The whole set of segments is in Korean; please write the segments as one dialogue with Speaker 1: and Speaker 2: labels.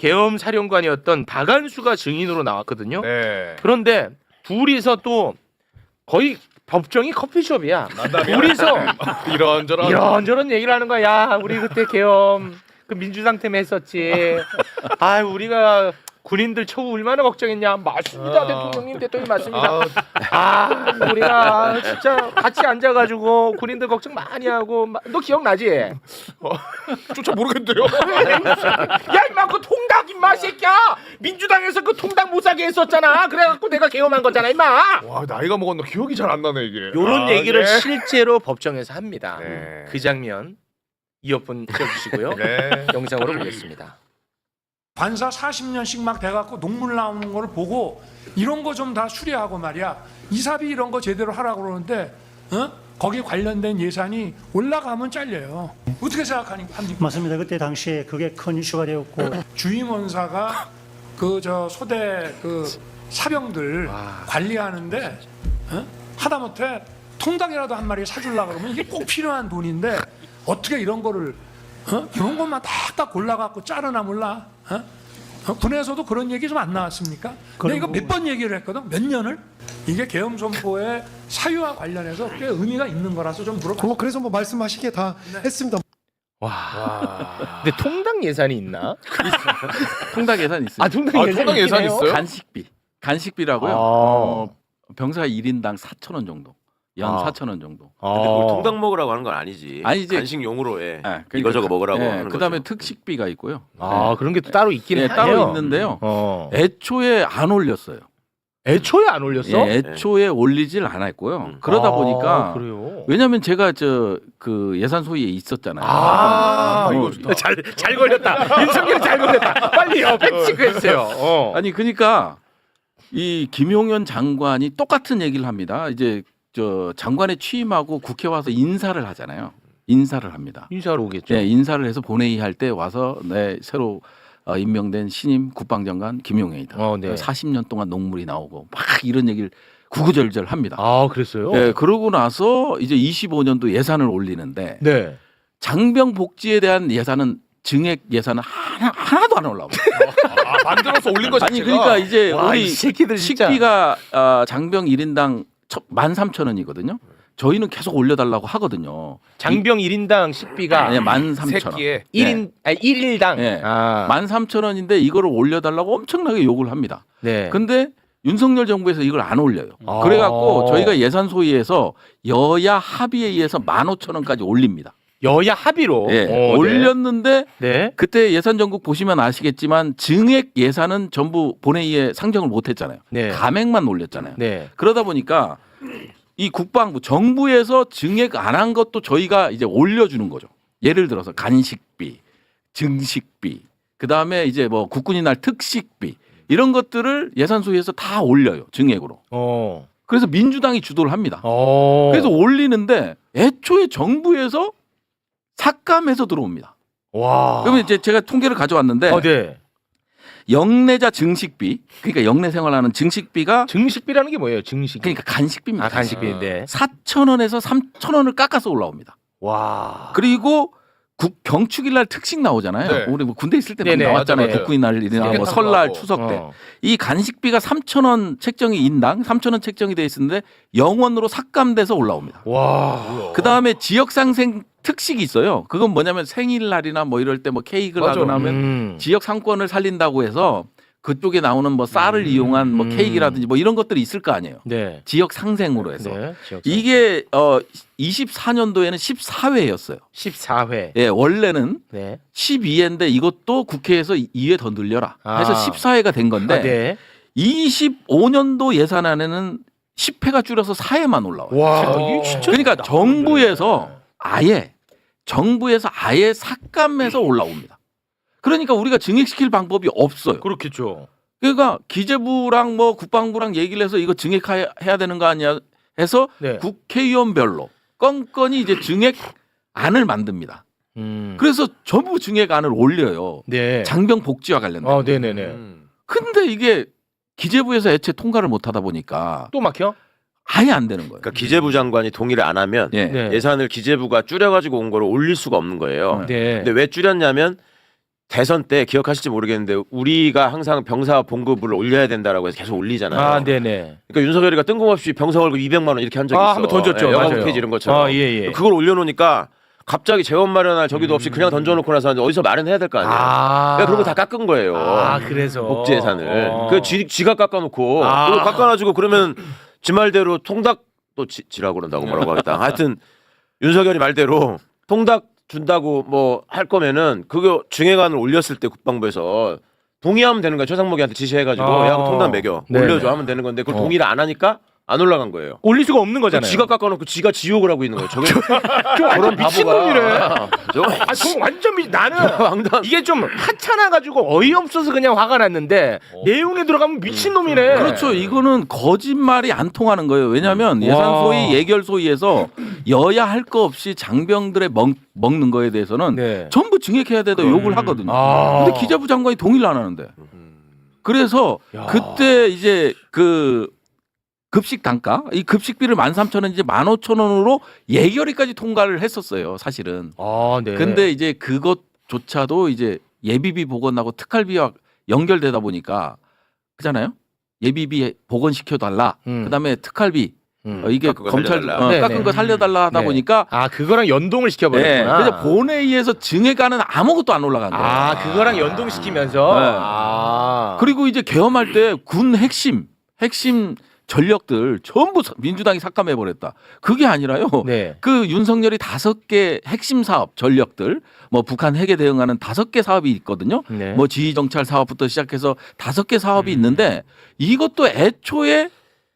Speaker 1: 계엄 사령관이었던 박안수가 증인으로 나왔거든요.
Speaker 2: 네.
Speaker 1: 그런데 둘이서 또 거의 법정이 커피숍이야. 둘이서 이런저런 얘기를 하는 거야. 야, 우리 그때 계엄 그 민주당 때문에 했었지. 아, 우리가 군인들 처우 얼마나 걱정했냐. 맞습니다, 대통령 맞습니다. 우리가 진짜 같이 앉아가지고 군인들 걱정 많이 하고. 너 기억나지?
Speaker 2: 저 모르겠는데요.
Speaker 1: 야, 임마 그 통닭 임마 새끼야. 민주당에서 그 통닭 못 사게 했었잖아. 그래갖고 내가 계엄한 거잖아, 임마.
Speaker 2: 와, 나이가 먹었나 기억이 잘 안 나네 이게.
Speaker 1: 요런 얘기를
Speaker 2: 네.
Speaker 1: 실제로 법정에서 합니다.
Speaker 2: 네.
Speaker 1: 그 장면 이어폰 켜주시고요.
Speaker 2: 네.
Speaker 1: 영상으로 보겠습니다.
Speaker 3: 관사 40년씩 막 돼갖고 녹물 나오는 걸 보고 이런 거 좀 다 수리하고 말이야. 이사비 이런 거 제대로 하라고 그러는데 거기 관련된 예산이 올라가면 잘려요. 어떻게 생각합니까?
Speaker 4: 맞습니다. 그때 당시에 그게 큰 이슈가 되었고
Speaker 3: 주임 원사가 그 저 소대 그 사병들 관리하는데 하다못해 통닭이라도 한 마리 사주려고 그러면 이게 꼭 필요한 돈인데 어떻게 이런 거를 이런 것만 딱딱 골라갖고 자르나 몰라? 군에서도 그런 얘기 좀 안 나왔습니까? 내가 이거 몇 번 얘기를 했거든. 몇 년을? 이게 계엄 선포의 사유와 관련해서 꽤 의미가 있는 거라서 좀 물어봤어요.
Speaker 5: 그래서 뭐 말씀하시기에 다 했습니다.
Speaker 1: 와. 근데 통닭 예산이 있나?
Speaker 6: 통닭 예산 있어요.
Speaker 1: 통닭
Speaker 2: 예산이 있어요?
Speaker 6: 간식비라고요. 병사 1인당 4,000원 정도. 연 4,000원 정도.
Speaker 7: 근데 뭘 통닭 먹으라고 하는 건 아니지.
Speaker 6: 아니, 이제
Speaker 7: 간식용으로 해.
Speaker 6: 그러니까,
Speaker 7: 이거저거 먹으라고 하는
Speaker 6: 그다음에
Speaker 7: 거죠.
Speaker 6: 특식비가 있고요.
Speaker 1: 그런 게 또 따로 있긴 해요.
Speaker 6: 따로 있는데요. 애초에 안 올렸어요.
Speaker 1: 애초에 안 올렸어?
Speaker 6: 애초에 올리질 않았고요. 그러다 보니까
Speaker 1: 그래요.
Speaker 6: 왜냐하면 제가 그 예산 소위에 있었잖아요.
Speaker 2: 이거 좋다.
Speaker 1: 잘 걸렸다. 윤석열 잘 걸렸다. 빨리요. 팩트체크했어요.
Speaker 6: 아니 그러니까 이 김용현 장관이 똑같은 얘기를 합니다. 이제 저 장관에 취임하고 국회 와서 인사를 하잖아요. 인사를 합니다.
Speaker 1: 인사하러 오겠죠.
Speaker 6: 네, 인사를 해서 본회의 할 때 와서 새로 임명된 신임 국방장관 김용현이다.
Speaker 1: 네.
Speaker 6: 40년 동안 녹물이 나오고 막 이런 얘기를 구구절절 합니다.
Speaker 1: 그랬어요?
Speaker 6: 네, 그러고 나서 이제 25년도 예산을 올리는데
Speaker 1: 네.
Speaker 6: 장병 복지에 대한 예산은 증액 예산은 하나도 안 올라옵니다.
Speaker 2: 만들어서 올린 거 자체가.
Speaker 6: 아니 그러니까 이제
Speaker 1: 와,
Speaker 6: 우리
Speaker 1: 이 새끼들 진짜.
Speaker 6: 식비가 장병 1인당 13,000원이거든요. 저희는 계속 올려달라고 하거든요.
Speaker 1: 장병 1인당 식비가
Speaker 6: 13,000원.
Speaker 2: 새끼에
Speaker 1: 1일당
Speaker 6: 네. 13,000원인데 이거를 올려달라고 엄청나게 욕을 합니다.
Speaker 1: 네.
Speaker 6: 근데 윤석열 정부에서 이걸 안 올려요. 그래갖고 저희가 예산 소위에서 여야 합의에 의해서 15,000원까지 올립니다.
Speaker 1: 여야 합의로
Speaker 6: 올렸는데
Speaker 1: 네.
Speaker 6: 그때 예산 전국 보시면 아시겠지만 증액 예산은 전부 본회의에 상정을 못했잖아요.
Speaker 1: 네.
Speaker 6: 감액만 올렸잖아요.
Speaker 1: 네.
Speaker 6: 그러다 보니까 이 국방부 정부에서 증액 안 한 것도 저희가 이제 올려주는 거죠. 예를 들어서 간식비, 증식비, 그 다음에 이제 뭐 국군의 날 특식비 이런 것들을 예산 소위에서 다 올려요. 증액으로. 그래서 민주당이 주도를 합니다. 그래서 올리는데 애초에 정부에서 삭감해서 들어옵니다.
Speaker 1: 와.
Speaker 6: 그러면 이제 제가 통계를 가져왔는데
Speaker 1: 네.
Speaker 6: 영내자 증식비, 그러니까 영내 생활하는 증식비가
Speaker 1: 증식비라는 게 뭐예요? 증식.
Speaker 6: 그러니까 간식비입니다.
Speaker 1: 간식비인데.
Speaker 6: 4,000원에서 3,000원을 깎아서 올라옵니다.
Speaker 1: 와.
Speaker 6: 그리고 경축일 날 특식 나오잖아요.
Speaker 2: 네.
Speaker 6: 우리 뭐 군대 있을 때 많이
Speaker 1: 네네.
Speaker 6: 나왔잖아요.
Speaker 1: 맞아요.
Speaker 6: 국군의 날이나 뭐
Speaker 2: 삼계탕도
Speaker 6: 설날,
Speaker 2: 하고.
Speaker 6: 추석 때. 이 간식비가 3,000원 책정이 인당 3,000원 책정이 돼 있었는데 0원으로 삭감돼서 올라옵니다.
Speaker 1: 와.
Speaker 6: 그다음에 지역 상생 특식이 있어요. 그건 뭐냐면 생일날이나 뭐 이럴 때 뭐 케이크를
Speaker 2: 맞아.
Speaker 6: 하거나 하면 지역 상권을 살린다고 해서 그쪽에 나오는 뭐 쌀을 이용한 뭐 케이크라든지 뭐 이런 것들이 있을 거 아니에요.
Speaker 1: 네.
Speaker 6: 지역 상생으로 해서.
Speaker 1: 네. 지역
Speaker 6: 이게 24년도에는 14회였어요.
Speaker 1: 14회.
Speaker 6: 예, 원래는
Speaker 1: 네.
Speaker 6: 12회인데 이것도 국회에서 2회 더 늘려라 해서 14회가 된 건데
Speaker 1: 네.
Speaker 6: 25년도 예산안에는 10회가 줄여서 4회만 올라와요.
Speaker 1: 와, 이게 진짜
Speaker 6: 그러니까 정부에서 아예 삭감해서 올라옵니다. 그러니까 우리가 증액시킬 방법이 없어요.
Speaker 1: 그렇겠죠.
Speaker 6: 그러니까 기재부랑 뭐 국방부랑 얘기를 해서 이거 증액해야 되는 거 아니야 해서
Speaker 1: 네.
Speaker 6: 국회의원별로 건건이 이제 증액안을 만듭니다. 그래서 전부 증액안을 올려요.
Speaker 1: 네.
Speaker 6: 장병 복지와 관련된.
Speaker 1: 네네네.
Speaker 6: 근데 이게 기재부에서 애초에 통과를 못 하다 보니까
Speaker 1: 또 막혀?
Speaker 6: 아예 안 되는 거예요.
Speaker 7: 그러니까 기재부 장관이 동의를 안 하면
Speaker 1: 네.
Speaker 7: 예산을 기재부가 줄여가지고 온 거를 올릴 수가 없는 거예요.
Speaker 1: 네.
Speaker 7: 근데 왜 줄였냐면 대선 때 기억하실지 모르겠는데 우리가 항상 병사 봉급을 올려야 된다라고 해서 계속 올리잖아요.
Speaker 1: 아, 네네.
Speaker 7: 그러니까 윤석열이가 뜬금없이 병사 월급 200만 원 이렇게 한 적이 있어.
Speaker 1: 한번 던졌죠.
Speaker 7: 영화
Speaker 1: 맞아요.
Speaker 7: 페이지 이런 것처럼.
Speaker 1: 예, 예.
Speaker 7: 그걸 올려놓으니까 갑자기 재원 마련할 저기도 없이 그냥 던져놓고 나서 어디서 마련해야 될 거 아니에요. 그러니까 그런 거 다 깎은 거예요.
Speaker 1: 아, 그래서
Speaker 7: 복지 예산을.
Speaker 1: 어.
Speaker 7: 그 지가 깎아놓고
Speaker 1: 아.
Speaker 7: 그거 깎아가지고 그러면 지 말대로 통닭 또 지라고 그런다고 뭐라고 하겠다. 하여튼 윤석열이 말대로 통닭 준다고 뭐 할 거면은 그거 중해관을 올렸을 때 국방부에서 동의하면 되는 거야. 최상목이한테 지시해가지고
Speaker 1: 아.
Speaker 7: 야 통닭 매겨
Speaker 1: 네네.
Speaker 7: 올려줘 하면 되는 건데 그걸 동의를 안 하니까 안 올라간 거예요.
Speaker 1: 올릴 수가 없는 거잖아요.
Speaker 7: 지가 깎아놓고 지가 지옥을 하고 있는 거예요. 저게
Speaker 1: 저런 미친놈이래.
Speaker 7: 저
Speaker 1: 아, 저 완전 나는
Speaker 7: 왕단.
Speaker 1: 이게 좀 하찮아 가지고 어이없어서 그냥 화가 났는데 내용에 들어가면 미친놈이네.
Speaker 6: 그렇죠. 이거는 거짓말이 안 통하는 거예요. 왜냐하면
Speaker 1: 와.
Speaker 6: 예산 소위, 예결 소위에서 여야 할 거 없이 장병들의 먹는 거에 대해서는
Speaker 1: 네.
Speaker 6: 전부 증액해야 되다 욕을 하거든요.
Speaker 1: 아.
Speaker 6: 근데 기재부 장관이 동의를 안 하는데. 그래서
Speaker 1: 야.
Speaker 6: 그때 이제 그 급식 단가, 이 급식비를 13,000원 이제 15,000원으로 예결위까지 통과를 했었어요. 사실은.
Speaker 1: 아, 네.
Speaker 6: 근데 이제 그것조차도 이제 예비비 복원하고 특할비와 연결되다 보니까 그잖아요. 예비비 복원시켜 달라. 그다음에 특할비 이게
Speaker 7: 깎은 거
Speaker 6: 검찰
Speaker 7: 살려달라.
Speaker 1: 네네.
Speaker 6: 깎은 거 살려달라 하다
Speaker 1: 네.
Speaker 6: 보니까
Speaker 1: 아, 그거랑 연동을 시켜
Speaker 6: 네,
Speaker 1: 버렸구나.
Speaker 6: 그래서 본회의에서 증액안은 아무것도 안 올라간 거예요.
Speaker 1: 아, 그거랑 연동시키면서
Speaker 6: 네.
Speaker 1: 아.
Speaker 6: 그리고 이제 계엄할 때 군 핵심 전력들 전부 민주당이 삭감해 버렸다. 그게 아니라요.
Speaker 1: 네.
Speaker 6: 그 윤석열이 5개 핵심 사업 전력들, 뭐 북한 핵에 대응하는 5개 사업이 있거든요.
Speaker 1: 네.
Speaker 6: 뭐 지휘 정찰 사업부터 시작해서 5개 사업이 있는데 이것도 애초에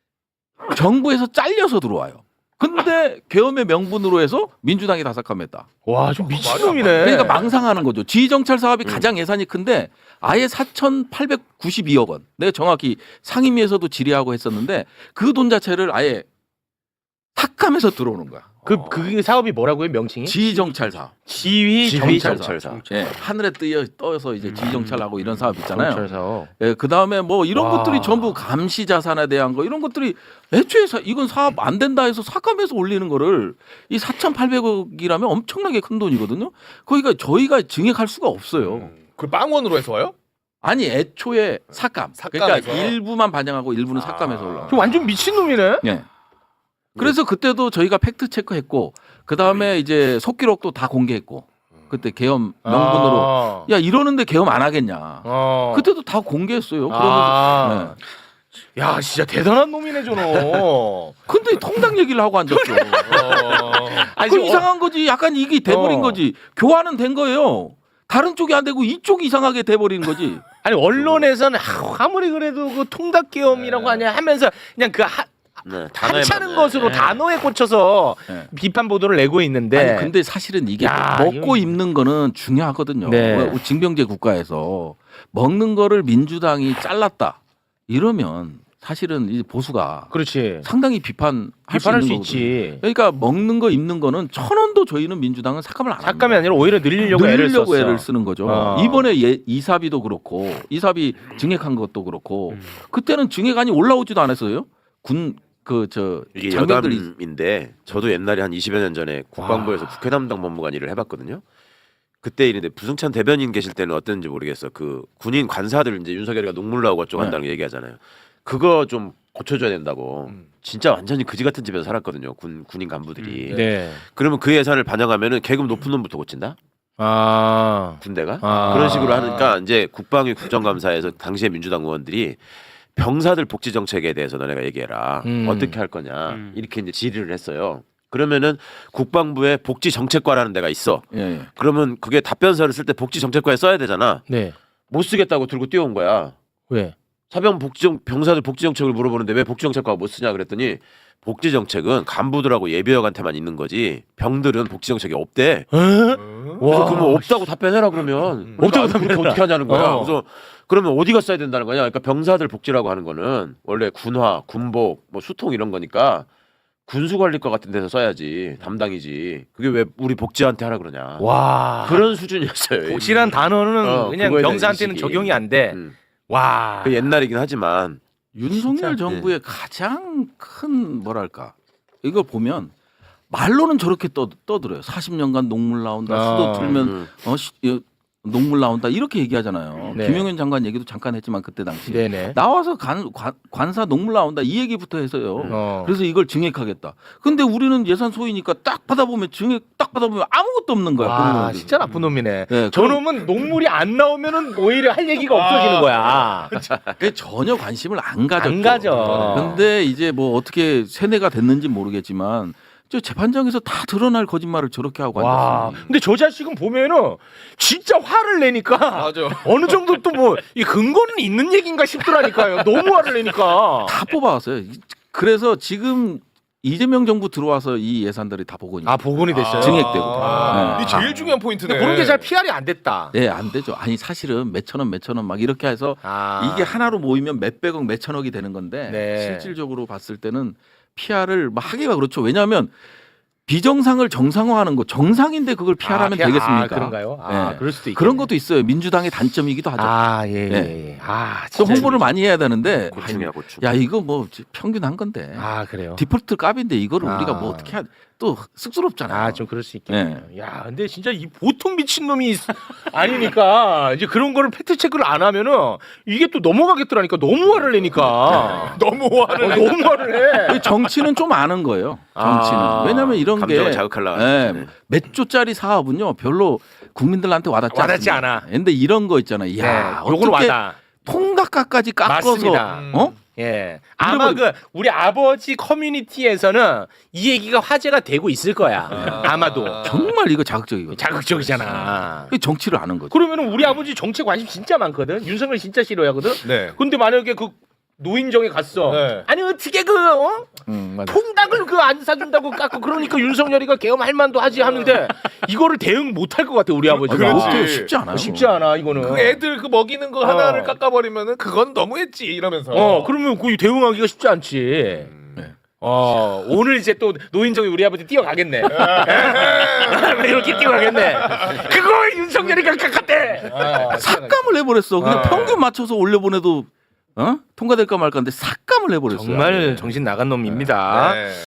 Speaker 6: 정부에서 잘려서 들어와요. 근데 계엄의 명분으로 해서 민주당이 다 삭감했다.
Speaker 1: 와, 좀 미친놈이네.
Speaker 6: 그러니까 망상하는 거죠. 지휘 정찰 사업이 가장 예산이 큰데 아예 4,892억 원. 내가 정확히 상임위에서도 질의하고 했었는데 그 돈 자체를 아예 삭감해서 들어오는 거야.
Speaker 1: 그 사업이 뭐라고요? 명칭이?
Speaker 6: 지휘 정찰 사업.
Speaker 1: 지휘
Speaker 7: 정찰 사업.
Speaker 6: 예, 하늘에 떠서 이제 지휘 정찰하고 이런 사업 있잖아요.
Speaker 1: 정찰 사업.
Speaker 6: 예, 그다음에 뭐 이런
Speaker 1: 와.
Speaker 6: 것들이 전부 감시 자산에 대한 거 이런 것들이 애초에 이건 사업 안 된다 해서 삭감해서 올리는 거를 이 4,800억이라면 엄청나게 큰 돈이거든요. 그러니까 저희가 증액할 수가 없어요.
Speaker 2: 그 빵원으로 해서 와요?
Speaker 6: 아니 애초에 삭감.
Speaker 2: 삭감해서?
Speaker 6: 그러니까 일부만 반영하고 일부는 삭감해서 올라.
Speaker 1: 저 완전 미친놈이네.
Speaker 6: 예. 그래서 그때도 저희가 팩트 체크했고 그 다음에 이제 속기록도 다 공개했고 그때 계엄 명분으로
Speaker 1: 아.
Speaker 6: 야 이러는데 계엄 안 하겠냐.
Speaker 1: 어.
Speaker 6: 그때도 다 공개했어요.
Speaker 1: 아.
Speaker 6: 그러면서
Speaker 1: 야, 진짜 대단한 놈이네 저놈.
Speaker 6: 근데 통당 얘기를 하고 앉았죠.
Speaker 1: 아니,
Speaker 6: 그
Speaker 1: 지금
Speaker 6: 이상한 거지. 약간 이게 돼버린 거지. 교환은 된 거예요. 다른 쪽이 안 되고 이쪽이 이상하게 돼버리는 거지.
Speaker 1: 아니 언론에서는 아무리 그래도 그 통닭계엄이라고 하냐 하면서 그냥 그
Speaker 7: 네,
Speaker 1: 하찮은
Speaker 7: 단어에만,
Speaker 1: 것으로
Speaker 7: 네.
Speaker 1: 단어에 꽂혀서
Speaker 6: 네.
Speaker 1: 비판 보도를 내고 있는데.
Speaker 6: 아니, 근데 사실은 이게
Speaker 1: 야,
Speaker 6: 먹고
Speaker 1: 이거-
Speaker 6: 입는 거는 중요하거든요.
Speaker 1: 네.
Speaker 6: 징병제 국가에서 먹는 거를 민주당이 잘랐다 이러면 사실은 이 보수가
Speaker 1: 그렇지.
Speaker 6: 상당히 비판할
Speaker 1: 비판할
Speaker 6: 수
Speaker 1: 수
Speaker 6: 있는 거거든요.
Speaker 1: 있지.
Speaker 6: 그러니까 먹는 거 입는 거는 1,000원도 저희는 민주당은 삭감을 안 합니다.
Speaker 1: 삭감이 아니라 오히려 늘리려고 애를 썼어.
Speaker 6: 애를 쓰는 거죠. 이번에 이사비도 그렇고 이사비 증액한 것도 그렇고 그때는 증액안이 올라오지도 않았어요.
Speaker 7: 이게
Speaker 6: 장병들이
Speaker 7: 여담인데 저도 옛날에 한 20여 년 전에 국방부에서 국회 담당 법무관 일을 해봤거든요. 그때 일인데 부승찬 대변인 계실 때는 어땠는지 모르겠어. 그 군인 관사들 이제 윤석열이가 녹물 나오고 어쩌고 한다는 거 얘기하잖아요. 그거 좀 고쳐줘야 된다고. 진짜 완전히 그지 같은 집에서 살았거든요. 군인 간부들이.
Speaker 1: 네.
Speaker 7: 그러면 그 예산을 반영하면은 계급 높은 놈부터 고친다.
Speaker 1: 아.
Speaker 7: 군대가
Speaker 1: 아.
Speaker 7: 그런 식으로 하니까 이제 국방위 국정감사에서 당시에 민주당 의원들이 병사들 복지 정책에 대해서 너네가 얘기해라. 어떻게 할 거냐 이렇게 이제 질의를 했어요. 그러면은 국방부에 복지 정책과라는 데가 있어.
Speaker 6: 예.
Speaker 7: 그러면 그게 답변서를 쓸 때 복지 정책과에 써야 되잖아.
Speaker 1: 네.
Speaker 7: 못 쓰겠다고 들고 뛰어온 거야.
Speaker 1: 왜?
Speaker 7: 병사들 복지 정책을 물어보는데 왜 복지 정책과 못 쓰냐 그랬더니 복지 정책은 간부들하고 예비역한테만 있는 거지 병들은 복지 정책이 없대. 그래서 그러면 없다고 답변해라 그러면 없다고 답변 어떻게 하냐는 거야. 그래서 그러면 어디가 써야 된다는 거냐. 그러니까 병사들 복지라고 하는 거는 원래 군화, 군복, 뭐 수통 이런 거니까 군수관리과 같은 데서 써야지 담당이지. 그게 왜 우리 복지한테 하라 그러냐.
Speaker 1: 와.
Speaker 7: 그런 수준이었어요.
Speaker 1: 복지란 단어는 그냥
Speaker 7: 그거에 대한
Speaker 1: 병사한테는
Speaker 7: 인식이.
Speaker 1: 적용이 안 돼. 와.
Speaker 7: 그 옛날이긴 하지만
Speaker 6: 윤석열 정부의 가장 큰 뭐랄까 이걸 보면 말로는 저렇게 떠들어요. 40년간 녹물 나온다. 수도 틀면 녹물 나온다 이렇게 얘기하잖아요.
Speaker 1: 네.
Speaker 6: 김용현 장관 얘기도 잠깐 했지만 그때 당시
Speaker 1: 네네.
Speaker 6: 나와서 관사 녹물 나온다 이 얘기부터 해서요.
Speaker 1: 어.
Speaker 6: 그래서 이걸 증액하겠다. 근데 우리는 예산 소위니까 딱 받아보면 증액 딱 받아보면 아무것도 없는 거야.
Speaker 1: 와,
Speaker 6: 공무원들이.
Speaker 1: 진짜 나쁜 놈이네.
Speaker 6: 네,
Speaker 1: 저놈은 녹물이 안 나오면은 오히려 할 얘기가 없어지는 거야.
Speaker 6: 그게 전혀 관심을 안 가졌죠.
Speaker 1: 안 가져.
Speaker 6: 근데 이제 뭐 어떻게 세뇌가 됐는지 모르겠지만 저 재판장에서 다 드러날 거짓말을 저렇게 하고
Speaker 1: 와,
Speaker 6: 앉았어요.
Speaker 1: 근데 저 자식은 보면은 진짜 화를 내니까
Speaker 2: 맞아.
Speaker 1: 어느 정도 또 뭐 이 근거는 있는 얘기인가 싶더라니까요. 너무 화를 내니까.
Speaker 6: 다 뽑아왔어요. 그래서 지금 이재명 정부 들어와서 이 예산들이 다 복원이.
Speaker 1: 아, 복원이 됐어요.
Speaker 6: 증액되고.
Speaker 2: 이 제일 중요한 포인트네.
Speaker 1: 근데 그런 게 잘 PR이 안 됐다.
Speaker 6: 네, 안 되죠. 아니 사실은 몇천 원 막 이렇게 해서
Speaker 1: 아.
Speaker 6: 이게 하나로 모이면 몇백억 몇천억이 되는 건데
Speaker 1: 네.
Speaker 6: 실질적으로 봤을 때는 PR을 막 하기가 그렇죠. 왜냐하면 비정상을 정상화하는 거 정상인데 그걸 PR하면 되겠습니까?
Speaker 1: 아, 그런가요? 아,
Speaker 6: 네.
Speaker 1: 그럴 수도 있겠네요.
Speaker 6: 그런 것도 있어요. 민주당의 단점이기도 하죠.
Speaker 1: 아, 예, 예,
Speaker 6: 네.
Speaker 1: 예. 아,
Speaker 6: 또
Speaker 1: 진짜
Speaker 6: 홍보를 많이 해야 되는데
Speaker 7: 고충이야 고충.
Speaker 6: 야 이거 뭐 평균 한 건데
Speaker 1: 아, 그래요.
Speaker 6: 디폴트 값인데 이거를
Speaker 1: 아.
Speaker 6: 우리가 뭐 어떻게 또 쑥스럽잖아.
Speaker 1: 아, 좀 그럴 수 있겠네요. 야, 근데 진짜 이 보통 미친 놈이 아니니까 이제 그런 거를 팩트 체크를 안 하면은 이게 또 넘어가겠더라니까. 너무 화를 내니까.
Speaker 2: 너무 화를
Speaker 1: 너무 화를 해.
Speaker 6: 이 정치는 좀 아는 거예요. 정치는.
Speaker 1: 아.
Speaker 6: 왜냐하면 이런 게
Speaker 7: 감정을 자극하려고
Speaker 6: 예,
Speaker 7: 하는
Speaker 6: 몇 조짜리 사업은요 별로 국민들한테 와닿지
Speaker 1: 와닿지
Speaker 6: 않습니다.
Speaker 1: 않아.
Speaker 6: 근데 이런 거 있잖아요. 야,
Speaker 1: 네, 요거는
Speaker 6: 어떻게
Speaker 1: 와닿아.
Speaker 6: 통닭가까지 깎아서
Speaker 1: 맞습니다.
Speaker 6: 어?
Speaker 1: 예. 아마 그 우리 아버지 커뮤니티에서는 이 얘기가 화제가 되고 있을 거야. 아마도.
Speaker 6: 정말 이거 자극적이거든요.
Speaker 1: 자극적이잖아.
Speaker 6: 그게 정치를 아는 거죠.
Speaker 1: 그러면은 우리 아버지 정치 관심 진짜 많거든. 윤석열 진짜 싫어하거든.
Speaker 2: 네.
Speaker 1: 근데 만약에 그 노인정에 갔어.
Speaker 2: 네.
Speaker 1: 아니 어떻게
Speaker 6: 맞아.
Speaker 1: 통닭을 그 안 사준다고 깎고 그러니까 윤석열이가 계엄할 만도 하지 하는데 이거를 대응 못 할 것 같아 우리 아버지가.
Speaker 2: 그렇지.
Speaker 6: 못해요. 쉽지 않아요.
Speaker 1: 쉽지 않아 이거는.
Speaker 2: 그 애들 그 먹이는 거 하나를 깎아버리면은 그건 너무했지 이러면서.
Speaker 1: 그러면 그 대응하기가 쉽지 않지.
Speaker 6: 네.
Speaker 1: 오늘 이제 또 노인정에 우리 아버지 뛰어가겠네. 이렇게 뛰어가겠네. 그거 윤석열이가 깎았대.
Speaker 6: 삭감을 해버렸어. 그냥 평균 맞춰서 올려보내도 통과될까 말까인데 삭감을 해버렸어요.
Speaker 1: 정말 정신 나간 놈입니다.
Speaker 2: 네.